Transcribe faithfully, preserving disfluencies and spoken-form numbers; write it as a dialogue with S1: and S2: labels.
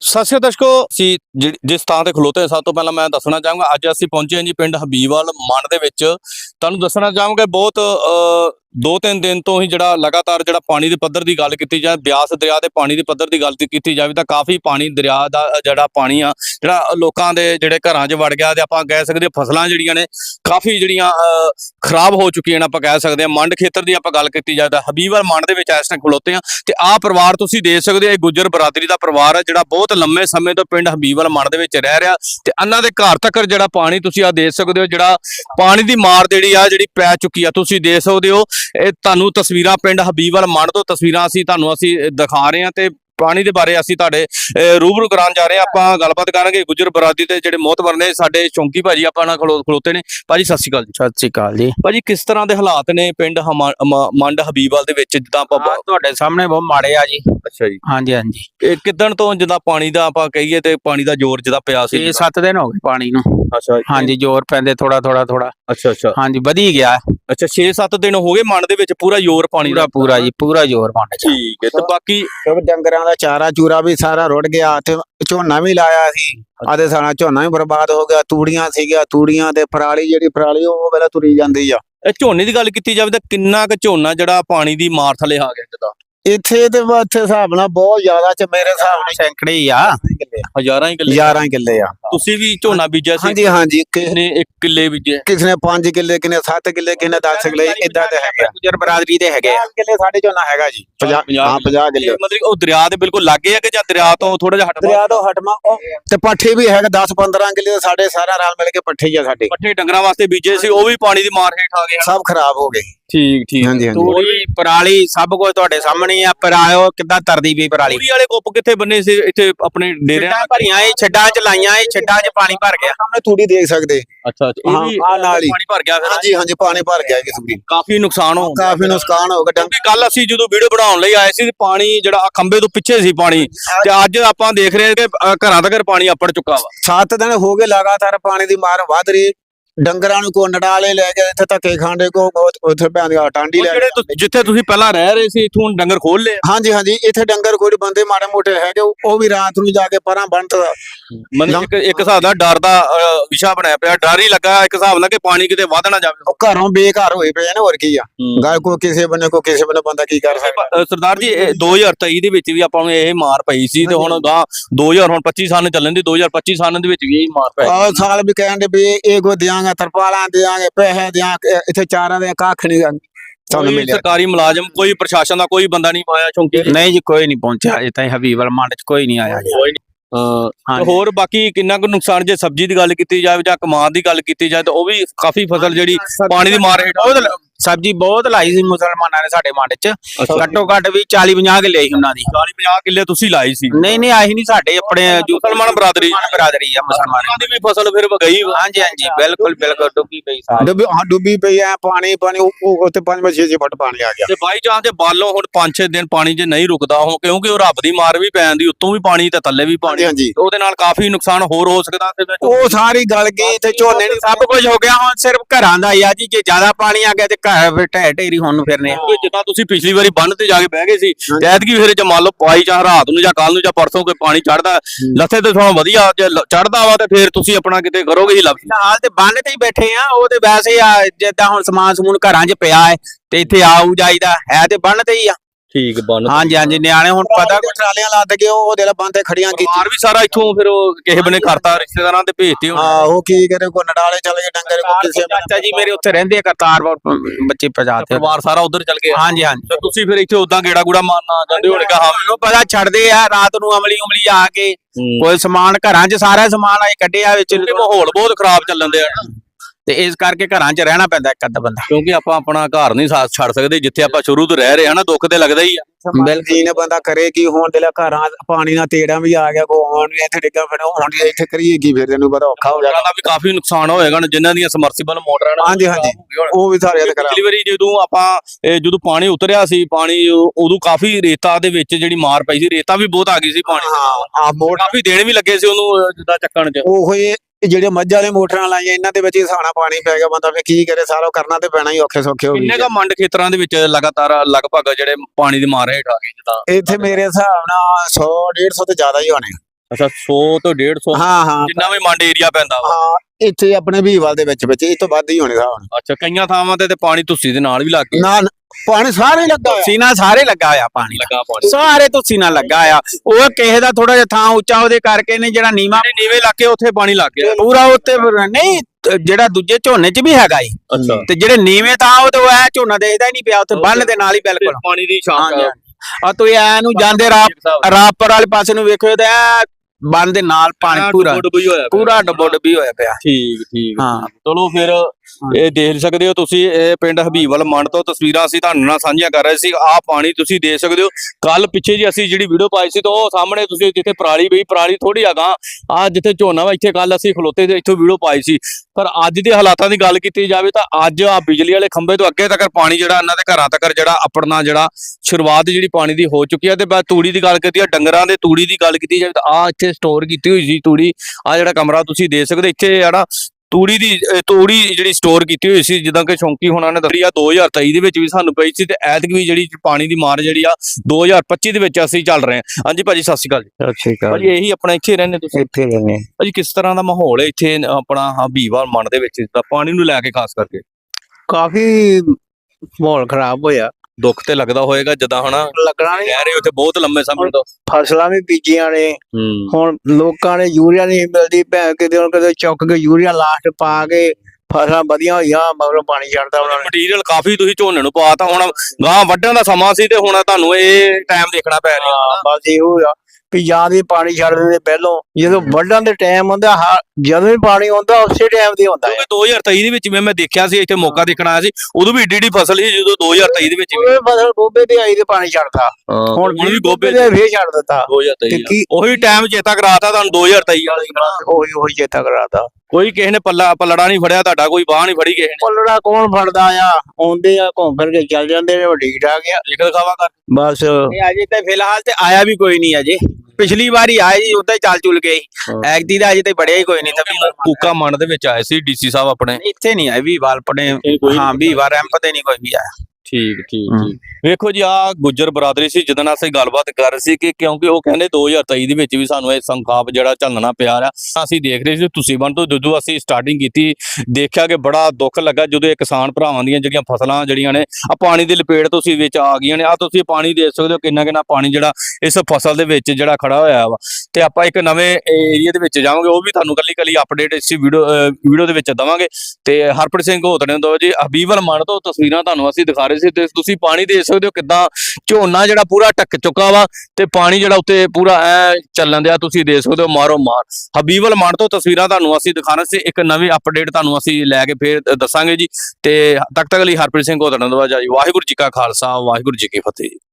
S1: ਸਤਿ ਸ਼੍ਰੀ ਅਕਾਲ ਦਰਸ਼ਕੋ, ਅਸੀਂ ਜਿ- ਜਿਸ ਥਾਂ ਤੇ ਖਲੋਤੇ ਹਾਂ, ਸਭ ਤੋਂ ਪਹਿਲਾਂ ਮੈਂ ਦੱਸਣਾ ਚਾਹਾਂਗਾ ਅੱਜ ਅਸੀਂ ਪਹੁੰਚੇ ਹਾਂ ਜੀ ਪਿੰਡ ਹਬੀਬਵਾਲ ਮੰਡ ਦੇ ਵਿੱਚ। ਤੁਹਾਨੂੰ ਦੱਸਣਾ ਚਾਹਾਂਗਾ ਬਹੁਤ ਅ, ਦੋ ਤਿੰਨ ਦਿਨ ਤੋਂ ਹੀ ਜਿਹੜਾ ਲਗਾਤਾਰ ਜਿਹੜਾ ਪਾਣੀ ਦੇ ਪੱਧਰ ਦੀ ਗੱਲ ਕੀਤੀ ਜਾਏ, ਬਿਆਸ ਦਰਿਆ ਦੇ ਪਾਣੀ ਦੇ ਪੱਧਰ ਦੀ ਗੱਲ ਤੇ ਕੀਤੀ ਜਾਵੇ ਤਾਂ ਕਾਫੀ ਪਾਣੀ ਦਰਿਆ ਦਾ ਜਿਹੜਾ ਪਾਣੀ ਆ ਜਿਹੜਾ ਲੋਕਾਂ ਦੇ ਜਿਹੜੇ ਘਰਾਂ 'ਚ ਵੜ ਗਿਆ ਤੇ ਆਪਾਂ ਕਹਿ ਸਕਦੇ ਹਾਂ ਫਸਲਾਂ ਜਿਹੜੀਆਂ ਨੇ ਕਾਫੀ ਜਿਹੜੀਆਂ ਅ, ਖਰਾਬ ਹੋ ਚੁੱਕੀਆਂ ਨੇ। ਆਪਾਂ ਕਹਿ ਸਕਦੇ ਹਾਂ ਮੰਡ ਖੇਤਰ ਦੀ ਆਪਾਂ ਗੱਲ ਕੀਤੀ ਜਾਏ ਤਾਂ ਹਬੀਬਵਾਲ ਮੰਡ ਦੇ ਵਿੱਚ ਇਸ ਟਾਈਮ ਖਲੋਤੇ ਹਾਂ ਤੇ ਆਹ ਪਰਿਵਾਰ ਤੁਸੀਂ ਦੇਖ ਸਕਦੇ ਹੋ, ਇਹ ਗੁੱਜਰ ਬਰਾਦਰੀ ਦਾ ਪਰਿਵਾਰ ਹੈ ਜਿਹੜਾ ਬਹੁਤ ਲੰਮੇ ਸਮੇਂ ਤੋਂ ਪਿੰਡ ਹਬੀਬਵਾਲ ਮੰਡ ਦੇ ਵਿੱਚ ਰਹਿ ਰਿਹਾ ਤੇ ਇਹਨਾਂ ਦੇ ਘਰ ਤੱਕ ਜਿਹੜਾ ਪਾਣੀ ਤੁਸੀਂ ਆ ਦੇਖ ਸਕਦੇ ਹੋ, ਜਿਹੜਾ ਪਾਣੀ ਦੀ ਮਾਰ ਜਿਹੜੀ ਆ ਜਿਹੜੀ ਪੈ ਚੁੱਕੀ ਆ ਤੁਸੀਂ ਦੇਖ ਸਕਦੇ ਹੋ। ਇਹ ਤੁਹਾਨੂੰ ਤਸਵੀਰਾਂ ਪਿੰਡ ਹਬੀਬਵਾਲ ਮੰਡ ਤੋਂ ਤਸਵੀਰਾਂ ਅਸੀਂ ਤੁਹਾਨੂੰ ਅਸੀਂ ਦਿਖਾ ਰਹੇ ਹਾਂ ਤੇ ਪਾਣੀ ਦੇ ਬਾਰੇ ਅਸੀਂ ਤੁਹਾਡੇ ਅਹ, ਰੂਬਰੂ ਕਰਾਉਣ ਜਾ ਰਹੇ ਹਾਂ। ਆਪਾਂ ਗੱਲਬਾਤ ਕਰਾਂਗੇ ਗੁੱਜਰ ਬਰਾਦਰੀ ਦੇ ਜਿਹੜੇ ਮੋਹਤਬਰ ਨੇ ਸਾਡੇ ਚੌਂਕੀ ਭਾਜੀ ਆਪਾਂ ਨਾਲ ਖਲੋ ਖਲੋਤੇ ਨੇ। ਭਾਜੀ ਸਤਿ ਸ਼੍ਰੀ ਅਕਾਲ ਜੀ।
S2: ਸਤਿ ਸ੍ਰੀ ਅਕਾਲ ਜੀ।
S1: ਭਾਜੀ ਕਿਸ ਤਰ੍ਹਾਂ ਦੇ ਹਾਲਾਤ ਨੇ ਪਿੰਡ ਹਮਾ- ਮ- ਮੰਡ ਹਬੀਬਵਾਲ ਦੇ ਵਿੱਚ ਜਿੱਦਾਂ ਆਪਾਂ
S2: ਆਹ ਤੁਹਾਡੇ ਸਾਹਮਣੇ ਬਹੁਤ ਮਾੜੇ ਆ ਜੀ।
S1: ਅੱਛਾ ਜੀ,
S2: ਹਾਂਜੀ ਹਾਂਜੀ
S1: ਇਹ ਕਿੱਦਣ ਤੋਂ ਜਿੱਦਾਂ ਪਾਣੀ ਦਾ ਆਪਾਂ ਕਹੀਏ ਤੇ ਪਾਣੀ ਦਾ ਜ਼ੋਰ ਜਿੱਦਾਂ ਪਿਆ ਸੀ
S2: ਛੇ ਸੱਤ ਦਿਨ ਹੋ ਗਏ ਪਾਣੀ ਨੂੰ।
S1: ਅੱਛਾ
S2: ਹਾਂਜੀ ਜ਼ੋਰ ਪੈਂਦੇ ਥੋੜਾ ਥੋੜਾ ਥੋੜਾ
S1: ਅੱਛਾ ਅੱਛਾ
S2: ਹਾਂਜੀ ਵਧੀ ਗਿਆ
S1: ਅੱਛਾ ਛੇ ਸੱਤ ਦਿਨ ਹੋ ਗਏ ਮੰਡ ਦੇ ਵਿੱਚ ਪੂਰਾ ਜ਼ੋਰ ਪਾਣੀ
S2: ਪੂਰਾ
S1: ਦਾ।
S2: ਪੂਰਾ ਜੀ ਪੂਰਾ ਜ਼ੋਰ ਮੰਡ ਚ।
S1: ਠੀਕ ਹੈ ਤੇ ਬਾਕੀ
S3: ਸਭ ਡੰਗਰਾਂ ਦਾ ਚਾਰਾ ਚੂਰਾ ਵੀ ਸਾਰਾ ਰੁੜ ਗਿਆ ਤੇ ਝੋਨਾ ਵੀ ਲਾਇਆ ਸੀ। ਆਦੇ ਸਾਰਾ ਝੋਨਾ ਵੀ ਬਰਬਾਦ ਹੋ ਗਿਆ। ਤੂੜੀਆਂ ਸੀਗੀਆਂ, ਤੂੜੀਆਂ ਤੇ ਪਰਾਲੀ ਜਿਹੜੀ ਪਰਾਲੀ ਉਹ ਵੇਲੇ ਤੁਰੀ ਜਾਂਦੀ ਆ।
S1: ਇਹ ਝੋਨੇ ਦੀ ਗੱਲ ਕੀਤੀ ਜਾਵੇ ਤਾਂ ਕਿੰਨਾ ਕੁ ਝੋਨਾ ਜਿਹੜਾ ਪਾਣੀ ਦੀ ਮਾਰ ਥੱਲੇ ਆ ਗਿਆ ਜਿੱਦਾਂ
S3: ਇੱਥੇ ਤੇ ਵਾ- ਇੱਥੇ ਹਿਸਾਬ ਨਾਲ ਬਹੁਤ ਜ਼ਿਆਦਾ ਚ ਮੇਰੇ ਹਿਸਾਬ ਨਾਲ
S2: ਸੈਂਕੜੇ ਹੀ ਆ।
S1: ਹਜ਼ਾਰਾਂ ਹੀ ਕਿੱਲੇ
S3: ਗਿਆਰਾਂ ਕਿੱਲੇ ਆ।
S1: ਤੁਸੀਂ ਵੀ ਝੋਨਾ ਬੀਜਿਆ ਸੀ?
S3: ਹਾਂਜੀ ਹਾਂਜੀ ਕਿਸੇ
S1: ਨੇ ਇੱਕ ਕਿੱਲੇ ਬੀਜੇ?
S3: ਕਿਸੇ ਨੇ ਪੰਜ ਕਿੱਲੇ, ਕਿਸੇ ਨੇ ਸੱਤ ਕਿੱਲੇ, ਕਿਸੇ ਨੇ ਦਸ ਕਿੱਲੇ, ਇਦਾਂ ਤੇ ਹੈਗੇ ਆ।
S2: ਗੁਜਰ ਬਰਾਦਰੀ ਦੇ ਹੈਗੇ ਆ।
S3: ਪੰਜਾਹ ਕਿੱਲੇ ਸਾਡੇ ਝੋਨਾ ਹੈਗਾ ਜੀ। ਪੰਜਾਹ ਹਾਂ ਪੰਜਾਹ ਕਿੱਲੇ।
S1: ਇਹ ਮਤਲਬ ਉਹ ਦਰਿਆ ਦੇ ਬਿਲਕੁਲ ਲਾਗੇ ਆ ਕਿ ਜਾਂ ਦਰਿਆ ਤੋਂ ਥੋੜਾ ਜਿਹਾ ਹਟਵਾ?
S3: ਦਰਿਆ ਤੋਂ ਹਟਮਾ ਉਹ ਤੇ ਪੱਠੇ ਵੀ ਹੈਗੇ ਦਸ ਪੰਦਰਾਂ ਕਿੱਲੇ ਸਾਡੇ ਸਾਰਾ ਰਲ ਮਿਲ ਕੇ ਪੱਠੇ ਹੀ ਆ ਸਾਡੇ।
S1: ਪੱਠੇ ਡੰਗਰਾਂ ਵਾਸਤੇ ਬੀਜੇ ਸੀ, ਉਹ ਵੀ ਪਾਣੀ ਦੀ ਮਾਰ ਹੇਠ ਆ ਗਏ।
S3: ਸਭ ਖਰਾਬ ਹੋ ਗਏ।
S1: ਠੀਕ ਠੀਕ
S3: ਹਾਂਜੀ ਹਾਂਜੀ
S2: ਤੂੜੀ ਪਰਾਲੀ ਸਭ ਕੁਝ ਤੁਹਾਡੇ ਸਾਹਮਣੇ ਆ। ਪਰਾਇਓ ਕਿੱਦਾਂ ਤਰਦੀ ਵੀ ਪਰਾਲੀ।
S1: ਤੂੜੀ ਵਾਲੇ ਕੁੱਪ ਕਿੱਥੇ ਬੰਨੇ ਸੀ ਇੱਥੇ ਆਪਣੇ ਡੇਰਿਆਂ?
S2: ਛੱਡਾਂ ਭਰੀਆਂ ਇਹ ਛੱਡਾਂ ਚ ਲਾਈਆਂ ਇਹ ਛੱਡਾਂ ਚ ਪਾਣੀ ਭਰ ਗਿਆ।
S3: ਸਾਹਮਣੇ ਤੂੜੀ ਦੇਖ ਸਕਦੇ।
S1: ਅੱਛਾ ਇਹ
S3: ਹਾਂ,
S1: ਵੀ
S3: ਆਹ ਨਾਲ ਹੀ।
S1: ਪਾਣੀ ਭਰ ਗਿਆ ਫਿਰ?
S3: ਹਾਂਜੀ ਹਾਂਜੀ ਪਾਣੀ ਭਰ ਗਿਆ ਜੀ ਤੂੜੀ।
S1: ਕਾਫੀ ਨੁਕਸਾਨ ਹੋ ਗਿਆ।
S3: ਕਾਫੀ ਨੁਕਸਾਨ ਹੋ ਗਿਆ।
S1: ਕਿਉਂਕਿ ਕੱਲ ਅਸੀਂ ਜਦੋਂ ਵੀਡੀਓ ਬਣਾਉਣ ਲਈ ਆਏ ਸੀ ਤੇ ਪਾਣੀ ਜਿਹੜਾ ਆਹ ਖੰਭੇ ਤੋਂ ਪਿੱਛੇ ਸੀ ਪਾਣੀ, ਤੇ ਅੱਜ ਆਪਾਂ ਦੇਖ ਰਹੇ ਹਾਂ ਕਿ ਅ, ਘਰਾਂ ਤੱਕ ਪਾਣੀ ਅੱਪੜ ਚੁੱਕਾ ਵਾ।
S3: ਸੱਤ ਦਿਨ ਹੋ ਗਏ ਲਗਾਤਾਰ ਪਾਣੀ ਦੀ ਮਾਰ ਵੱਧ ਰਹੀ। ਡੰਗਰਾਂ ਨੂੰ ਕੋ ਨਡਾਲੇ ਲੈ ਕੇ ਇੱਥੇ ਧੱਕੇ ਖਾਂਡੇ ਕੋ ਉੱਥੇ ਭੈਣ ਦੀ ਟਾਂਡੀ
S1: ਉਹ
S3: ਲੈ
S1: ਜਿਹੜੇ
S3: ਕੇ।
S1: ਤੁ- ਜਿੱਥੇ ਤੁਸੀਂ ਪਹਿਲਾਂ ਰਹਿ ਰਹੇ ਸੀ ਇੱਥੋਂ ਡੰਗਰ ਖੋਲ ਲਏ?
S3: ਹਾਂਜੀ ਹਾਂਜੀ ਇੱਥੇ ਡੰਗਰ ਕੋਈ ਬੰਦੇ ਮਾੜੇ ਮੋਟੇ ਹੈਗੇ ਉਹ ਉਹ ਵੀ ਰਾਤ ਨੂੰ ਜਾ ਕੇ ਪਰਾਂ ਬੰਨਤ।
S1: ਮਤਲਬ ਇੱਕ ਇੱਕ ਹਿਸਾਬ ਦਾ ਡਰ ਦਾ ਅ, ਵਿਸ਼ਾ ਬਣਿਆ ਪਿਆ। ਡਰ ਹੀ ਲੱਗਾ ਇੱਕ ਹਿਸਾਬ ਨਾਲ ਕਿ ਪਾਣੀ ਕਿਤੇ ਵੱਧ ਨਾ ਜਾਵੇ।
S3: ਉਹ ਘਰੋਂ ਬੇਘਰ ਹੋਏ ਪਏ ਨੇ, ਹੋਰ ਕੀ ਆ। ਗੱਲ ਕੋ ਕਿਸੇ ਬੰਨੇ ਕੋ ਕਿਸੇ ਬੰਨੇ ਬੰਦਾ ਕੀ ਕਰ ਸਕਦਾ।
S1: ਅ, ਸਰਦਾਰ ਜੀ ਇਹ ਦੋ ਹਜ਼ਾਰ ਤੇਈ ਦੇ ਵਿੱਚ ਵੀ ਆਪਾਂ ਨੂੰ ਇਹ ਮਾਰ ਪਈ ਸੀ ਤੇ ਹੁਣ ਗਾ ਦੋ ਹਜ਼ਾਰ ਹੁਣ ਪੱਚੀ ਸਾਲ ਚੱਲਣ ਦੀ ਦੋ ਹਜ਼ਾਰ ਪੱਚੀ ਸਾਲ ਦੇ ਵਿੱਚ ਵੀ ਇਹ ਮਾਰ ਪਈ।
S3: ਆਹ ਸਾਲ ਵੀ ਕਹਿੰਦੇ ਵੀ ਇਹ ਕੋ ਦਿਆਂਗੇ, ਤਰਪਾਲਾਂ ਦਿਆਂਗੇ, ਪੈਸੇ ਦਿਆਂਗੇ, ਇੱਥੇ ਚਾਰਾਂ ਦੇ ਕੱਖ ਨਹੀਂ ਸਾਨੂੰ
S1: ਕੋਈ
S3: ਮਿਲਿਆ।
S1: ਸਰਕਾਰੀ ਮੁਲਾਜ਼ਮ ਕੋਈ ਪ੍ਰਸ਼ਾਸਨ ਦਾ ਕੋਈ ਬੰਦਾ ਨਹੀਂ ਆਇਆ ਚੌਂਕੀ?
S2: ਨਹੀਂ ਜੀ ਕੋਈ ਨਹੀਂ ਪਹੁੰਚਿਆ ਅਜੇ ਤਾਈਂ ਹਬੀਬਵਾਲ ਮੰਡ ਚ ਕੋਈ ਨਹੀਂ ਆਇਆ ਜੀ।
S1: ਕੋਈ ਨਹੀਂ। ਤੇ ਹੋਰ ਬਾਕੀ ਕਿੰਨਾ ਕੁ ਨੁਕਸਾਨ ਜੇ ਸਬਜ਼ੀ ਦੀ ਗੱਲ ਕੀਤੀ ਜਾਵੇ ਜਾਂ ਕਮਾਦ ਦੀ ਗੱਲ ਕੀਤੀ ਜਾਵੇ ਤਾਂ ਉਹ ਵੀ ਕਾਫੀ ਫਸਲ ਜਿਹੜੀ ਪਾਣੀ ਦੀ ਮਾਰ ਹੇਠ
S2: ਬਹੁਤ ਲ- ਸਬਜ਼ੀ ਬਹੁਤ ਲਾਈ ਸੀ ਮੁਸਲਮਾਨਾਂ ਨੇ ਸਾਡੇ ਮੰਡ ਚ।
S1: ਅੱਛਾ।
S2: ਘੱਟੋ ਘੱਟ ਵੀ ਚਾਲੀ ਪੰਜਾਹ ਕਿੱਲੇ ਸੀ ਉਹਨਾਂ ਦੀ।
S1: ਚਾਲੀ ਪੰਜਾਹ ਕਿੱਲੇ ਤੁਸੀਂ ਲਾਈ ਸੀ?
S2: ਨਹੀਂ ਨਹੀਂ ਆਹੀ ਨਹੀਂ ਸਾਡੇ ਆਪਣੇ ਜੋ
S1: ਮੁਸਲਮਾਨ ਬਰਾਦਰੀ
S2: ਬਰਾਦਰੀ ਆ ਮੁਸਲਮਾਨ
S1: ਉਹਨਾਂ ਦੀ ਵੀ ਫਸਲ ਫਿਰ ਗਈ ਵਾ।
S2: ਹਾਂਜੀ ਹਾਂਜੀ ਬਿਲਕੁਲ ਬਿਲਕੁਲ ਡੁੱਬੀ ਪਈ ਸਾਰੀ।
S3: ਡੁੱਬੀ ਹਾਂ ਡੁੱਬੀ ਪਈ ਆ। ਪਾਣੀ ਪਾਣੀ ਉਹ- ਉਹ ਉੱਥੇ ਪੰਜ ਛੇ ਛੇ ਫੁੱਟ ਪਾਣੀ ਆ ਗਿਆ।
S1: ਤੇ ਬਾਈ ਚਾਂਸ ਜੇ ਬਾਲੋਂ ਹੁਣ ਪੰਜ ਛੇ ਦਿਨ ਪਾਣੀ ਜੇ ਨਹੀਂ ਰੁਕਦਾ ਹੋ ਕਿਉਂਕਿ ਉਹ ਰੱਬ ਦੀ ਮਾਰ ਵੀ ਪੈਣ ਦੀ, ਉੱਤੋਂ ਵੀ ਪਾਣੀ ਤੇ ਥੱਲੇ ਵੀ ਪਾਣੀ,
S3: ਹਾਂਜੀ
S1: ਉਹਦੇ ਨਾਲ ਕਾਫੀ ਨੁਕਸਾਨ ਹੋਰ ਹੋ ਸਕਦਾ ਤੇ ਵਿੱਚ
S3: ਉਹ ਸਾਰੀ ਗਲ ਗਈ। ਇੱਥੇ ਝੋਨੇ ਦੀ
S2: ਸਭ ਕੁਝ ਹੋ ਗਿਆ ਹੁਣ ਸਿਰਫ ਘਰਾਂ ਦਾ ਹੀ ਆ ਜੀ। ਜੇ ਜ਼ਿਆਦਾ ਪਾਣੀ ਆ ਗਿਆ ਤੇ ਘਰ ਫਿਰ ਢਹਿ ਢੇਰੀ ਹੋਣ ਨੂੰ ਫਿਰਨੇ ਆ।
S1: ਕਿਉਂਕਿ ਜਿੱਦਾਂ ਤੁਸੀਂ ਪਿਛਲੀ ਵਾਰੀ ਬੰਨ ਤੇ ਜਾ ਕੇ ਬਹਿ ਗਏ ਸੀ, ਐਤਕੀ ਫਿਰ ਜੇ ਮੰਨ ਲਓ ਪਾਈ ਚਾਹ ਰਾਤ ਨੂੰ ਜਾਂ ਕੱਲ ਨੂੰ ਜਾਂ ਪਰਸੋਂ ਕੋਈ ਪਾਣੀ ਚੜਦਾ ਲੱਥੇ ਤੇ ਥੋੜਾ ਵਧੀਆ, ਜੇ ਚੜਦਾ ਵਾ ਤੇ ਫਿਰ ਤੁਸੀਂ ਆਪਣਾ ਕਿਤੇ ਕਰੋਗੇ ਹੀ ਲੱਭ।
S2: ਫਿਲਹਾਲ ਤੇ ਬੰਨ ਤੇ ਹੀ ਬੈਠੇ ਆ। ਉਹ ਤੇ ਵੈਸੇ ਆ ਜਿੱਦਾਂ ਹੁਣ ਸਮਾਨ ਸਮੂਨ ਘਰਾਂ 'ਚ ਪਿਆ ਹੈ ਤੇ ਇੱਥੇ ਆਊ ਜਾਈਦਾ ਹੈ ਤੇ ਬੰਨ ਤੇ ਹੀ ਆ।
S1: ਠੀਕ ਬੰਨ
S2: ਹਾਂਜੀ ਹਾਂਜੀ ਨਿਆਣੇ ਹੁਣ ਪਤਾ
S3: ਕੋਈ ਟਰਾਲੀਆਂ ਲੱਦ ਕੇ ਉਹ ਦਿਲ ਬੰਦੇ ਖੜੀਆਂ ਕੀਤੀ।
S1: ਮਾਰ ਵੀ ਸਾਰਾ ਇੱਥੋਂ ਫਿਰ ਉਹ ਕਿਸੇ ਬਨੇ ਕਰਤਾ ਰਿਸ਼ਤੇਦਾਰਾਂ ਤੇ ਭੇਜਤੇ ਹੁਣ।
S3: ਹਾਂ ਉਹ ਕੀ ਕਰੇ ਕੋ ਨਡਾਲੇ ਚਲੇ ਗਏ ਡੰਗਰ ਕੋ ਕਿਸੇ
S2: ਚਾਚਾ ਜੀ ਮੇਰੇ ਉੱਥੇ ਰਹਿੰਦੇ ਆ ਕਰਤਾਰਪੁਰ ਬੱਚੇ ਪਜਾਤੇ।
S1: ਪਰਿਵਾਰ ਸਾਰਾ ਉਧਰ ਚਲ ਗਿਆ?
S2: ਹਾਂਜੀ ਹਾਂਜੀ
S1: ਤੇ ਤੁਸੀਂ ਫਿਰ ਇੱਥੇ ਉਦਾਂ ਗੇੜਾ ਗੂੜਾ ਮਾਰਨ ਆ ਜਾਂਦੇ ਹੋਣਗੇ? ਹਾਂ
S2: ਮੈਨੂੰ ਪਤਾ ਛੱਡਦੇ ਆ ਰਾਤ ਨੂੰ ਅਮਲੀ ਉਮਲੀ ਆ ਕੇ ਕੋਈ ਸਮਾਨ ਘਰਾਂ 'ਚ ਸਾਰਾ ਸਮਾਨ ਆਏ ਕੱਢਿਆ ਵਿੱਚ
S1: ਕਿਉਂਕਿ ਮਾਹੌਲ ਬਹੁਤ ਖਰਾਬ ਚੱਲਣ ਦੇ ਆ
S2: ਤੇ ਇਸ ਕਰਕੇ ਘਰਾਂ 'ਚ ਰਹਿਣਾ ਪੈਂਦਾ ਇੱਕ ਅੱਧਾ ਬੰਦਾ।
S1: ਕਿਉਂਕਿ ਆਪਾਂ ਆਪਣਾ ਘਰ ਨਹੀਂ ਸਾਥ ਛੱਡ ਸਕਦੇ ਜਿੱਥੇ ਆਪਾਂ ਸ਼ੁਰੂ ਤੋਂ ਰਹਿ ਰਹੇ ਹਾਂ ਨਾ, ਦੁੱਖ ਤੇ ਲੱਗਦਾ ਹੀ ਆ।
S3: ਬਿਲਕੁਲ ਨੇ ਬੰਦਾ ਕਰੇ ਕੀ। ਹੁਣ ਦਿਲ ਘਰਾਂ ਪਾਣੀ ਨਾਲ ਤੇੜਾ ਵੀ ਆ ਗਿਆ ਕੋ ਆਉਣ ਵੀ ਇੱਥੇ ਡਿੱਗਾ ਫਿਰ ਹੁਣ ਜੇ ਇੱਥੇ ਕਰੀਏ ਕੀ ਫਿਰ ਤੈਨੂੰ ਪਤਾ ਔਖਾ ਹੋ
S1: ਮੋਟਰਾਂ
S3: ਜਾਣਾ।
S1: ਦਾ ਵੀ ਕਾਫੀ ਨੁਕਸਾਨ ਹੋਏਗਾ ਨਾ, ਜਿਨ੍ਹਾਂ ਦੀਆਂ ਸਮਰਸੀਬਲ ਮੋਟਰਾਂ ਨੇ
S3: ਹਾਂਜੀ ਹਾਂਜੀ ਉਹ ਵੀ ਸਾਰੇ ਤੇ ਕਰਾ।
S1: ਪਿਛਲੀ ਵਾਰੀ ਜਦੋਂ ਆਪਾਂ ਇਹ ਜਦੋਂ ਪਾਣੀ ਉਤਰਿਆ ਸੀ, ਪਾਣੀ ਉ- ਉਦੋਂ ਕਾਫੀ ਰੇਤਾ ਦੇ ਵਿੱਚ ਜਿਹੜੀ ਮਾਰ ਪਈ ਸੀ, ਰੇਤਾ ਵੀ ਬਹੁਤ ਆ ਗਈ ਸੀ ਪਾਣੀ ਦੇ।
S3: ਹਾਂ ਆ ਮੋਟਰ
S1: ਕਾਫੀ ਦੇਣ ਵੀ ਲੱਗੇ ਸੀ ਉਹਨੂੰ ਅਹ, ਜਿੱਦਾਂ ਚੱਕਣ ਚ।
S3: ਉਹ ਇਹ ਜਿਹੜੇ ਮੱਝ ਵਾਲੇ ਮੋਟਰਾਂ ਲਾਈਆਂ ਇਹਨਾਂ ਦੇ ਵਿੱਚ ਹੀ ਸਾਣਾ ਪਾਣੀ ਪੈ ਗਿਆ। ਬੰਦਾ ਫੇ ਕੀ ਕਰੇ, ਸਾਰਾ ਕਰਨਾ ਤੇ ਪੈਣਾ ਹੀ, ਔਖੇ ਸੌਖੇ ਹੋ ਗਏ।
S1: ਕਿੰਨੇ ਕਾ ਮੰਡ ਖੇਤਰਾਂ ਦੇ ਵਿੱਚ ਲਗਾਤਾਰ ਲਗਭਗ ਜਿਹੜੇ ਪਾਣੀ ਦੀ ਮਾਰ ਹੇਠ ਆ ਗਏ ਜਿੱਦਾਂ?
S3: ਇੱਥੇ ਮੇਰੇ ਹਿਸਾਬ ਨਾਲ ਸੌ ਡੇਢ ਸੌ ਤੇ ਜ਼ਿਆਦਾ ਹੀ ਹੋਣੇ।
S1: ਅੱਛਾ ਸੌ ਤੋਂ ਡੇਢ ਸੌ
S3: ਹਾਂ ਹਾਂ
S1: ਜਿੰਨਾ ਵੀ ਮੰਡ ਏਰੀਆ ਪੈਂਦਾ ਵਾ
S3: ਹਾਂ ਇੱਥੇ ਆਪਣੇ ਵੀਵਾਲ ਦੇ ਵਿੱਚ ਵਿੱਚ ਇਹ ਤੋਂ ਵੱਧ ਹੀ ਹੋਣੇ ਹੁਣ
S1: ਅੱਛਾ ਕਈਆਂ ਥਾਵਾਂ ਤੇ ਤੇ ਪਾਣੀ ਤੁਸੀਂ ਦੇ ਨਾਲ ਵੀ ਲੱਗ ਗਿਆ
S3: ਨਾ ਪਾਣੀ ਸਾਰੇ ਹੀ ਲੱਗਾ ਹੋਇਆ।
S2: ਤੁਸੀਂ ਨਾਲ ਸਾਰੇ ਲੱਗਾ ਹੋਇਆ ਪਾਣੀ
S1: ਲੱਗਾ ਪਾਣੀ
S2: ਸਾਰੇ ਤੁਸੀਂ ਨਾਲ ਲੱਗਾ ਆ ਉਹ ਕਿਸੇ ਦਾ ਥੋੜਾ ਜਿਹਾ ਥਾਂ ਉੱਚਾ ਉਹਦੇ ਕਰਕੇ ਨੇ ਜਿਹੜਾ ਨੀਵਾ
S1: ਜਿਹੜੇ ਨੀਵੇਂ ਇਲਾਕੇ ਉੱਥੇ ਪਾਣੀ ਲੱਗ ਗਿਆ
S2: ਪੂਰਾ ਉੱਤੇ ਫਿਰ- ਨਹੀਂ ਅ, ਜਿਹੜਾ ਦੂਜੇ ਝੋਨੇ 'ਚ ਵੀ ਹੈਗਾ ਈ
S1: ਅੱਛਾ
S2: ਤੇ ਜਿਹੜੇ ਨੀਵੇਂ ਥਾਂ ਉਹ ਤੇ ਉਹ ਐ ਝੋਨਾ ਦੇਖਦਾ ਹੀ ਨਹੀਂ ਪਿਆ ਉੱਥੇ ਬੰਨ ਦੇ ਨਾਲ ਹੀ ਬਿਲਕੁਲ
S1: ਪਾਣੀ ਦੀ
S2: ਹਾਂਜੀ
S1: ਸ਼ਾਮ
S2: ਆ ਤੁਸੀਂ ਐ ਨੂੰ ਜਾਂਦੇ ਰਾਪ ਰਾਪਰ ਵਾਲੇ ਪਾਸੇ ਨੂੰ ਵੇਖੋ ਤੇ ਐ ਬੰਨ ਦੇ ਨਾਲ ਪਾਣੀ ਪੂਰਾ ਪੂਰਾ ਡੱਬੋ ਡੱਬੀ ਹੋਇਆ ਪਿਆ
S1: ਠੀਕ ਠੀਕ
S2: ਹਾਂ
S1: ਚਲੋ ਫਿਰ ਇਹ ਦੇਖ ਸਕਦੇ ਹੋ ਤੁਸੀਂ ਇਹ ਪਿੰਡ ਹਬੀਬਲ ਮੰਡ ਤੋਂ ਤਸਵੀਰਾਂ ਅਸੀਂ ਤੁਹਾਨੂੰ ਨਾਲ ਸਾਂਝੀਆਂ ਕਰ ਰਹੇ ਸੀ ਆਹ ਪਾਣੀ ਤੁਸੀਂ ਦੇਖ ਸਕਦੇ ਹੋ ਕੱਲ ਪਿੱਛੇ ਜੀ ਅਸੀਂ ਜਿਹੜੀ ਵੀਡੀਓ ਪਾਈ ਸੀ ਤਾਂ ਉਹ ਸਾਹਮਣੇ ਤੁਸੀਂ ਜਿੱਥੇ ਪਰਾਲੀ ਪਈ ਪਰਾਲੀ ਥੋੜੀ ਅਗਾਂਹ ਆ ਜਿੱਥੇ ਝੋਨਾ ਵਾ ਇੱਥੇ ਕੱਲ ਅਸੀਂ ਖਲੋਤੇ ਤੇ ਇੱਥੋਂ ਵੀਡੀਓ ਪਾਈ ਸੀ ਪਰ ਅੱਜ ਦੇ ਹਾਲਾਤਾਂ ਦੀ ਗੱਲ ਕੀਤੀ ਜਾਵੇ ਤਾਂ ਅੱਜ ਆ ਬਿਜਲੀ ਵਾਲੇ ਖੰਭੇ ਤੋਂ ਅੱਗੇ ਤੱਕ ਪਾਣੀ ਜਿਹੜਾ ਇਹਨਾਂ ਦੇ ਘਰਾਂ ਤੱਕ ਜਿਹੜਾ ਆਪਣਾ ਜਿਹੜਾ ਸ਼ੁਰੂਆਤ ਜਿਹੜੀ ਪਾਣੀ ਦੀ ਹੋ ਚੁੱਕੀ ਹੈ ਤੇ ਬਾਅਦ ਤੂੜੀ ਦੀ ਗੱਲ ਕੀਤੀ ਆ ਡੰਗਰਾਂ ਦੇ ਤੂੜੀ ਦੀ ਗੱਲ ਕੀਤੀ ਜਾਵੇ ਤਾਂ ਆ ਇੱਥੇ ਸਟੋਰ ਕੀਤੀ ਹੋਈ ਸੀ ਤੂੜੀ ਆ ਜਿਹੜਾ ਕਮਰਾ ਤੁਸੀਂ ਦੇਖ ਸਕਦੇ ਇੱਥੇ ਜਿਹੜਾ ਤੂੜੀ ਦੀ ਅਹ ਤੂੜੀ ਜਿਹੜੀ ਸਟੋਰ ਕੀਤੀ ਹੋਈ ਸੀ ਜਿੱਦਾਂ ਕਿ ਸ਼ੌਂਕੀ ਹੋਣਾ ਨੇ ਦੱਸਿਆ ਦੋ ਹਜ਼ਾਰ ਤੇਈ ਦੇ ਵਿੱਚ ਵੀ ਸਾਨੂੰ ਪਈ ਸੀ ਤੇ ਐਤਕ ਵੀ ਜਿਹੜੀ ਪਾਣੀ ਦੀ ਮਾਰ ਜਿਹੜੀ ਆ ਦੋ ਹਜ਼ਾਰ ਪੱਚੀ ਦੇ ਵਿੱਚ ਅਸੀਂ ਚੱਲ ਰਹੇ ਹਾਂ ਹਾਂਜੀ ਭਾਜੀ ਸਤਿ ਸ਼੍ਰੀ ਅਕਾਲ ਜੀ
S3: ਸਤਿ ਸ਼੍ਰੀ ਅਕਾਲ
S1: ਭਾਜੀ ਇਹੀ ਆਪਣਾ ਇੱਥੇ ਹੀ ਰਹਿੰਦੇ ਤੁਸੀਂ
S3: ਇੱਥੇ ਰਹਿੰਦੇ
S1: ਭਾਜੀ ਕਿਸ ਤਰ੍ਹਾਂ ਦਾ ਮਾਹੌਲ ਹੈ ਇੱਥੇ ਆਪਣਾ ਹਬੀਬਲ ਮੰਡ ਦੇ ਵਿੱਚ ਦਾ ਪਾਣੀ ਨੂੰ ਲੈ ਕੇ ਖਾਸ ਕਰਕੇ
S3: ਕਾਫੀ ਮਾਹੌਲ ਖਰਾਬ ਹੋਇਆ
S1: ਦੁੱਖ ਤੇ ਲੱਗਦਾ ਹੋਏਗਾ ਜਦਾਂ ਹਨਾ
S3: ਲੱਗਣਾ ਨਹੀਂ
S1: ਕਹਿ ਰਹੇ ਉੱਥੇ ਬਹੁਤ ਲੰਮੇ ਸਮੇਂ ਤੋਂ
S3: ਫਸਲਾਂ ਵੀ ਬੀਜੀਆਂ ਨੇ
S1: ਹੂੰ
S3: ਹੁਣ ਲੋਕਾਂ ਨੇ ਯੂਰੀਆ ਨਹੀਂ ਮਿਲਦੀ ਭੈਣ ਕਿਤੇ ਹੁਣ ਕਿਤੇ ਚੁੱਕ ਕੇ ਯੂਰੀਆ ਲਾਸਟ ਪਾ ਕੇ ਫਸਲਾਂ ਵਧੀਆ ਹੋਈਆਂ ਮਗਰੋਂ ਪਾਣੀ ਛੱਡਦਾ ਉਹਨਾਂ ਨੇ
S1: ਮਟੀਰੀਅਲ ਕਾਫੀ ਤੁਸੀਂ ਝੋਨੇ ਨੂੰ ਪਾਤਾ ਹੁਣ ਗਾਂ ਵੱਢਣ ਦਾ ਸਮਾਂ ਸੀ ਤੇ ਹੁਣ ਤੁਹਾਨੂੰ ਇਹ ਟਾਈਮ ਦੇਖਣਾ ਪੈ ਰਿਹਾ
S3: ਹਾਂ, ਬਸ ਇਹੋ ਆ ਵੀ ਜਾਂ ਵੀ ਪਾਣੀ ਛੱਡ ਦਿੰਦੇ ਪਹਿਲੋਂ ਜਦੋਂ ਵੱਢਣ ਦੇ ਟਾਈਮ ਹੁੰਦਾ ਹਾ- ਜਦੋਂ ਵੀ ਪਾਣੀ ਆਉਂਦਾ ਉਸੇ ਟਾਈਮ ਤੇ ਹੁੰਦਾ ਹੈ
S1: ਕਿਉਂਕਿ ਦੋ ਹਜ਼ਾਰ ਤੇਈ ਦੇ ਵਿੱਚ ਵੀ ਮੈਂ ਦੇਖਿਆ ਸੀ ਇੱਥੇ ਮੌਕਾ ਦੇਖਣ ਆਇਆ ਸੀ ਉਦੋਂ ਵੀ ਏਡੀ ਏਡੀ ਫਸਲ ਸੀ ਜਦੋਂ ਦੋ ਹਜ਼ਾਰ ਤੇਈ ਦੇ ਵਿੱਚ ਵੀ
S3: ਉਹ ਫਸਲ ਗੋਭੇ ਤੇ ਆਈ ਤੇ ਪਾਣੀ ਛੱਡਦਾ
S1: ਹੁਣ
S3: ਹੁਣ
S1: ਵੀ ਗੋਭੇ
S3: ਤੇ ਫੇਰ ਛੱਡ ਦਿੱਤਾ
S1: ਦੋ ਹਜ਼ਾਰ ਤੇਈ
S3: ਤੇ ਕੀ
S1: ਉਹੀ ਟਾਈਮ ਚੇਤਾ ਕਰਾਤਾ ਤੁਹਾਨੂੰ ਦੋ ਹਜ਼ਾਰ ਤੇਈ ਵਾਲੀ
S3: ਉਹੀ ਉਹੀ ਚੇਤਾ ਕਰਾਤਾ
S1: ਕੋਈ ਕਿਸੇ ਨੇ ਪੱਲਾ ਪੱਲੜਾ ਨਹੀਂ ਫੜਿਆ ਤੁਹਾਡਾ ਕੋਈ ਬਾਹ ਨਹੀਂ ਫੜੀ ਕਿਸੇ ਨੇ
S3: ਪੱਲੜਾ ਕੌਣ ਫੜਦਾ ਆ ਆਉਂਦੇ ਆ ਘੁੰਮ ਫਿਰ ਕੇ ਚੱਲ ਜਾਂਦੇ ਨੇ ਵੱਡੀ ਠਾਕ ਆ
S1: ਇੱਕ ਦਿਖਾਵਾ ਕਰ
S3: ਬਸ
S2: ਇਹ ਅਜੇ ਤੇ ਫਿਲਹਾਲ ਤੇ ਆਇਆ ਵੀ ਕੋਈ ਨਹੀਂ ਅਜੇ ਪਿਛਲੀ ਵਾਰੀ ਆਏ ਜੀ ਉਦਾਂ ਹੀ ਚੱਲ ਚੁਲ ਗਏ ਐਗਦੀ ਦਾ ਅਜੇ ਤੇ ਬੜਿਆ ਹੀ ਕੋਈ ਨਹੀਂ ਤਾਂ
S1: ਕੂਕਾ ਮੰਡ ਦੇ ਵਿੱਚ ਆਏ ਸੀ ਡੀਸੀ ਸਾਹਿਬ ਆਪਣੇ
S2: ਇੱਥੇ ਨਹੀਂ ਆਏ ਵੀ ਵਾਲ ਪੜੇ ਹਾਂ ਵੀ ਵਾਰ ਰੈਂਪ ਤੇ ਨਹੀਂ ਕੋਈ ਵੀ ਆਇਆ
S1: ਠੀਕ ਠੀਕ ਠੀਕ ਵੇਖੋ ਜੀ ਆ ਗੁੱਜਰ ਬਰਾਦਰੀ ਸੀ ਜਿਹਦੇ ਨਾਲ ਅਸੀਂ ਗੱਲਬਾਤ ਕਰ ਰਹੇ ਸੀ ਕਿ ਕਿਉਂਕਿ ਉਹ ਕਹਿੰਦੇ ਦੋ ਹਜ਼ਾਰ ਤੇਈ ਦੇ ਵਿੱਚ ਵੀ ਸਾਨੂੰ ਇਹ ਸੰਖਾਪ ਜਿਹੜਾ ਝੱਲਣਾ ਪਿਆ ਰਿਹਾ ਅਸੀਂ ਦੇਖ ਰਹੇ ਸੀ ਤੁਸੀਂ ਬਣ ਤੋਂ ਜਦੋਂ ਅਸੀਂ ਸਟਾਰਟਿੰਗ ਕੀਤੀ ਦੇਖਿਆ ਕਿ ਬੜਾ ਦੁੱਖ ਲੱਗਾ ਜਦੋਂ ਇਹ ਕਿਸਾਨ ਭਰਾਵਾਂ ਦੀਆਂ ਜਿਹੜੀਆਂ ਫਸਲਾਂ ਜਿਹੜੀਆਂ ਨੇ ਆ ਪਾਣੀ ਦੀ ਲਪੇਟ ਤੁਸੀਂ ਵਿੱਚ ਆ ਗਈਆਂ ਨੇ ਆ ਤੁਸੀਂ ਪਾਣੀ ਦੇਖ ਸਕਦੇ ਹੋ ਕਿੰਨਾ ਕਿੰਨਾ ਪਾਣੀ ਜਿਹੜਾ ਇਸ ਫਸਲ ਦੇ ਵਿੱਚ ਜਿਹੜਾ ਖੜਾ ਹੋਇਆ ਵਾ ਤੇ ਆਪਾਂ ਇੱਕ ਨਵੇਂ ਏਰੀਆ ਦੇ ਵਿੱਚ ਜਾਵਾਂਗੇ ਉਹ ਵੀ ਤੁਹਾਨੂੰ ਕੱਲੀ ਕੱਲੀ ਅਪਡੇਟ ਇਸ ਵੀਡੀਓ ਵੀਡੀਓ ਦੇ ਵਿੱਚ ਦਵਾਂਗੇ ਤੇ ਹਰਪ੍ਰੀਤ ਸਿੰਘ ਹੋਤਣੇ ਤੋਂ ਜੀ ਹਬੀਬਲ ਮੰਡ ਤੋਂ ਤਸਵੀਰਾਂ ਤੁਹਾਨੂੰ ਅਸੀਂ ਦਿਖਾ ਰਹੇ ਸੀ ਤੇ ਤੁਸੀਂ ਪਾਣੀ ਦੇਖ ਸਕਦੇ ਹੋ ਕਿੱਦਾਂ ਝੋਨਾ ਜਿਹੜਾ ਪੂਰਾ ਟੱਕ ਚੁੱਕਾ ਵਾ ਤੇ ਪਾਣੀ ਜਿਹੜਾ ਉੱਤੇ ਪੂਰਾ ਐ ਚੱਲਣ ਦਿਆ ਤੁਸੀਂ ਦੇਖ ਸਕਦੇ ਹੋ ਮਾਰੋ ਮਾਰ ਹਬੀਬਲ ਮੰਡ ਤੋਂ ਤਸਵੀਰਾਂ ਤੁਹਾਨੂੰ ਅਸੀਂ ਦਿਖਾਣਾ ਸੀ ਇੱਕ ਨਵੀਂ ਅਪਡੇਟ ਤੁਹਾਨੂੰ ਅਸੀਂ ਲੈ ਕੇ ਫੇਰ ਦੱਸਾਂਗੇ ਜੀ ਤੇ ਤੱਕ ਤੱਕ ਲਈ ਹਰਪ੍ਰੀਤ ਸਿੰਘ ਹੋਤਣੇ ਤੋਂ ਵਾਹਿਗੁਰੂ ਜੀ ਕਾ ਖਾਲਸਾ ਵਾਹਿਗੁਰੂ ਜੀ ਕੀ ਫਤਿਹ।